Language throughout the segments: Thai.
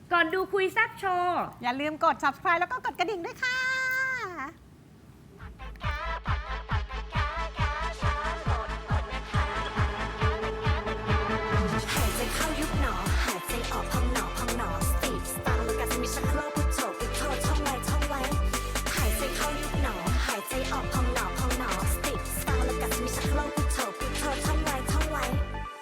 ก่อนดูคุยแซ่บโชว์อย่าลืมกด subscribe แล้วก็กดกระดิ่งด้วยค่ะหายใจเข้ายุบหนอหายใจออกพองหนอพองหนอสติสตางค์แล้วกันจะมีชักโครกพุทโธพุทโธท่องไว้ท่องไว้หายใจเข้ายุบหนอหายใจออกพองหนอพองหนอสติสตางค์แล้วกันจะมีชักโครกพุทโธพุทโธท่องไว้ท่องไว้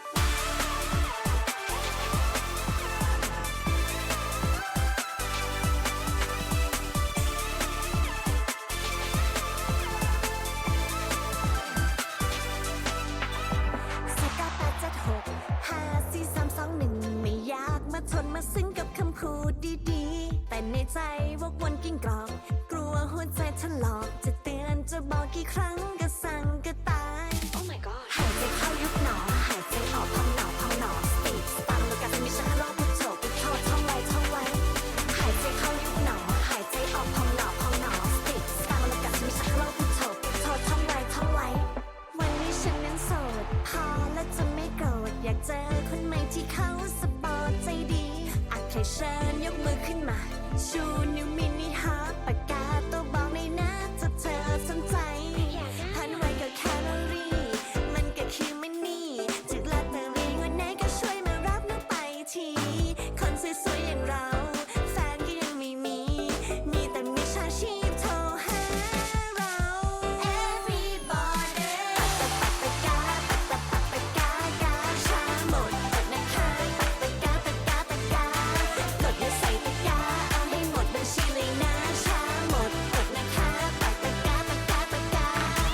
ไม่อยากมาทนมาซึ้งกับคำพูดดีๆแต่ในใจวกวนกิ้งกรอกกลัวหัวใจถลอกจะเตือนจะบอกกี่ครั้งก็สั่งก็ตาย Oh my god หายใจเข้ายุบหนอหายใจออกพองหนอพองหนอสติสตังแล้วกันจะมีชักโครกพุทโธพุทโธท่องไว้ท่องไว้หายใจเข้ายุบหนอหายใจออกพองหนอพองหนอสติสตังแล้วกันจะมีชักโครกพุทโธพุทโธท่องไว้ท่องไว้วันนี้ฉันนั้นโสดพอและจะไม่โกรธอยากเจอคนใหม่ที่เขาสปอร์ตใจดีอาจให้เชิญยกมือขึ้นมาชูนิ้วมินิฮาร์ทปากกาตัวบอกในหน้าจะเธอสนใจพันไว้กับแคลอรี่มันก็คือมันนี่จากลอตเตอรี่วันไหนก็ช่วยมารับน้องไปทีคนสวยๆอย่างเราแฟนก็ยังไม่มีมีแต่มิจฉาชีพโทรหาเรา Everybody ปักตะกาปักตะปากกากาชาหมดอดนะคะปักตะกาตะกากดไม่ใส่ตะกาเอาให้หมดบัญชีเลยนะชาหมดอดนะคะปักตะกาตะกาตะกา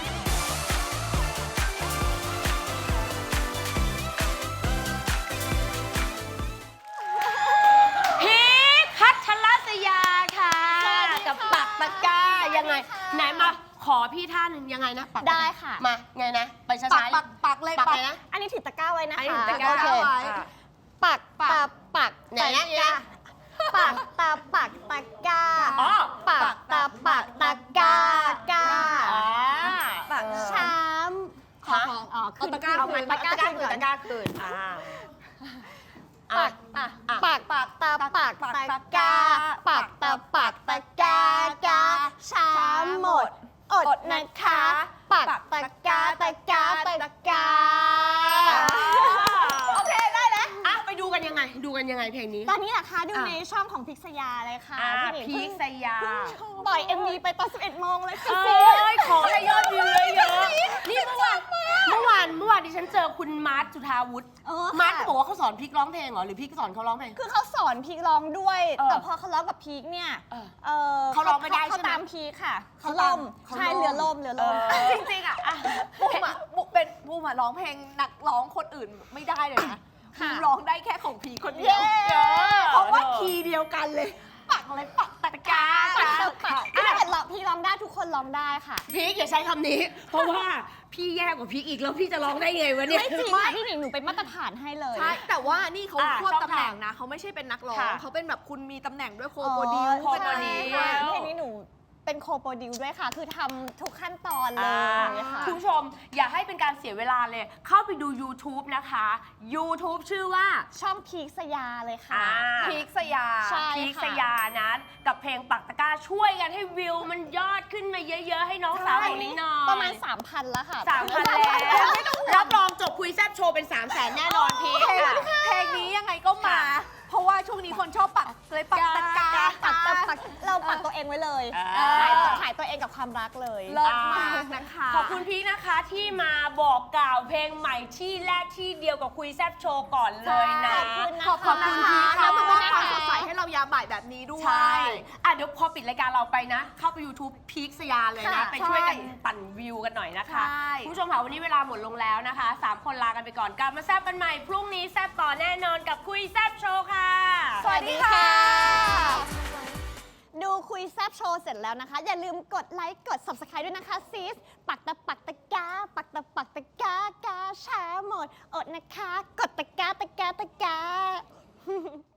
พีคพัชรศยาค่ะกับปักตะกร้ายังไงไหนมาขอพี่ท่าหนึ่งยังไงนะปักได้ค่ะมาไงนะไปช้าๆปักเลยปักเลยนะอันนี้ถือตะกร้าไว้นะอันนี้คะถือตะกร้าโอเคไว้ปักตะปักไหนนะปักตะปักตะกร้าอ๋อปักตะปักตะกร้ากาปักช้ำฮะอ๋อขึ้นตะกร้าเอาไหมตะกร้าตะขึ้นก่อนตะกร้าคืนปักปักตะปักตะกร้าปักตะปักตะกร้ากาช้ำหมดอดนะคะปักตะกร้าตะกร้าตะกร้าโอเคได้แล้วอ่ะไปดูกันยังไงเพลงนี้ตอนนี้นะคะดูในช่องของพิกษยาเลยค่ะพี่หนิงพีคสยาปล่อย MV ไปตอน 11 โมงเลยค่ะเอ้ยขอให้ยอดวิวเยอะๆนี่เมื่อวานดิฉันเจอคุณมาร์ทจุธาวุฒิมาร์ทก็บอกว่าเขาสอนพีคร้องเพลงเหรอหรือพีคสอนเขาร้องเพลงคือเขาสอนพีคร้องด้วยเออแต่พอเขาร้องกับพีคเนี่ยเขาร้องไม่ได้ใช่ไหมเขาตามพีคค่ะเขาล่ตามมเขาใช่ล่มเรือล่มจริงๆอ่ะบูมอะร้องเพลงนักร้องคนอื่นไม่ได้เลยนะบูมร้องได้แค่ของพีคนเดียว เพราะว่าคีย์เดียวกันเลย ปักอะไรปักตะกร้าปักตะปักถ้าเกิดพีคร้องได้ทุกคนร้องได้ค่ะพีคอย่าใช้คำนี้ เพราะว่าพี่แย่กว่าพีคอีกแล้วพี่จะร้องได้ไงวะเนี่ยไม่จริงค่ะพี่หนิงหนูเป็นมาตรฐานให้เลยใช่ แต่ว่านี่เขาอ่ะควบช่องตำแหน่งทางนะ เขาไม่ใช่เป็นนักร้องค่ะเขาเป็นแบบคุณมีตำแหน่งด้วยโคอ๋อโปรดิวโคโปรดิวใช่เพลงนี้หนูเป็นโคโปรดิวด้วยค่ะ คือทำทุกขั้นตอนเลยค่ะคุณผู้ชมอย่าให้เป็นการเสียเวลาเลย เข้าไปดู YouTube นะคะ YouTube ชื่อว่าช่องพีคสยาเลยค่ะพีคสยาใช่พีคสยานะกับเพลงปักตะกร้าช่วยกันให้วิวมันยอดขึ้นมาเยอะๆ ให้น้องสาวของนิ้งหน่อยประมาณ 3,000 แล้วค่ะ 3,000 แล้วรับรองจบคุยแซ่บโชว์เป็น 300,000 แน่นอนพีคเพลงนี้ยังไงก็มา เพราะว่าช่วงนี้คนชอบปักเลยปักตะกร้าปักเราปักตัวเองไว้เลยอ่าขายตัวเองกับความรักเลยเลิศมากนะคะขอบคุณพีคนะคะที่มาบอกกล่าวเพลงใหม่ที่แรกที่เดียวกับคุยแซ่บโชว์ก่อนเลยนะขอบคุณพีคขอบคุณมามอบนะความคะสดใสให้เรายามบ่ายแบบนี้ด้วยใช่เดี๋ยวพอปิดรายการเราไปนะ เข้าไป YouTube พีคสยาเลยนะค่ะไปช่วยกันใช่ปั่นวิวกันหน่อยนะคะใช่คุณผู้ชมค่ะวันนี้เวลาหมดลงแล้วนะคะ3คนลากันไปก่อนกลับมาแซ่บกันใหม่พรุ่งนี้แซ่บต่อแน่นอนกับคุยแซ่บโชว์ค่ะสวัสดีค่ะ ดูคุยแซบโชว์เสร็จแล้วนะคะ อย่าลืมกดไลค์กด subscribe ด้วยนะคะซีสปักตะปักตะกาปักตะปักตะกากาแชร์หมดอดนะคะ กดตะกาตะกาตะกา